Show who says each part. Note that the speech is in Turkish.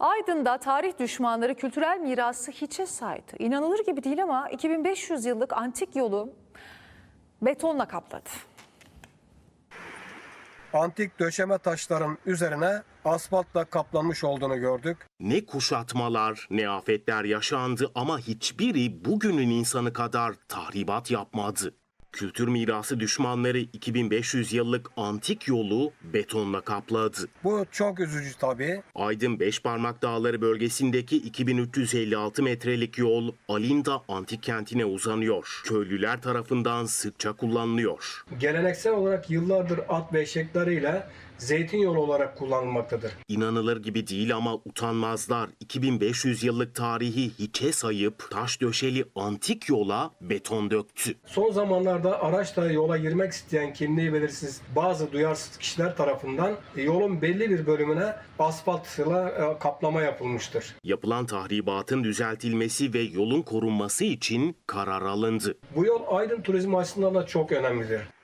Speaker 1: Aydın'da tarih düşmanları kültürel mirası hiçe saydı. İnanılır gibi değil ama 2500 yıllık antik yolu betonla kapladı.
Speaker 2: Antik döşeme taşların üzerine asfaltla kaplanmış olduğunu gördük.
Speaker 3: Ne kuşatmalar, ne afetler yaşandı ama hiçbiri bugünün insanı kadar tahribat yapmadı. Kültür mirası düşmanları 2500 yıllık antik yolu betonla kapladı.
Speaker 2: Bu çok üzücü tabii.
Speaker 3: Aydın Beşparmak Dağları bölgesindeki 2356 metrelik yol Alinda antik kentine uzanıyor. Köylüler tarafından sıkça kullanılıyor.
Speaker 2: Geleneksel olarak yıllardır at ve eşekleriyle zeytin yolu olarak kullanılmaktadır.
Speaker 3: İnanılır gibi değil ama utanmazlar 2500 yıllık tarihi hiçe sayıp taş döşeli antik yola beton döktü.
Speaker 2: Son zamanlarda araçla yola girmek isteyen kimliği belirsiz bazı duyarsız kişiler tarafından yolun belli bir bölümüne asfaltla kaplama yapılmıştır.
Speaker 3: Yapılan tahribatın düzeltilmesi ve yolun korunması için karar alındı.
Speaker 2: Bu yol Aydın turizmi açısından da çok önemlidir.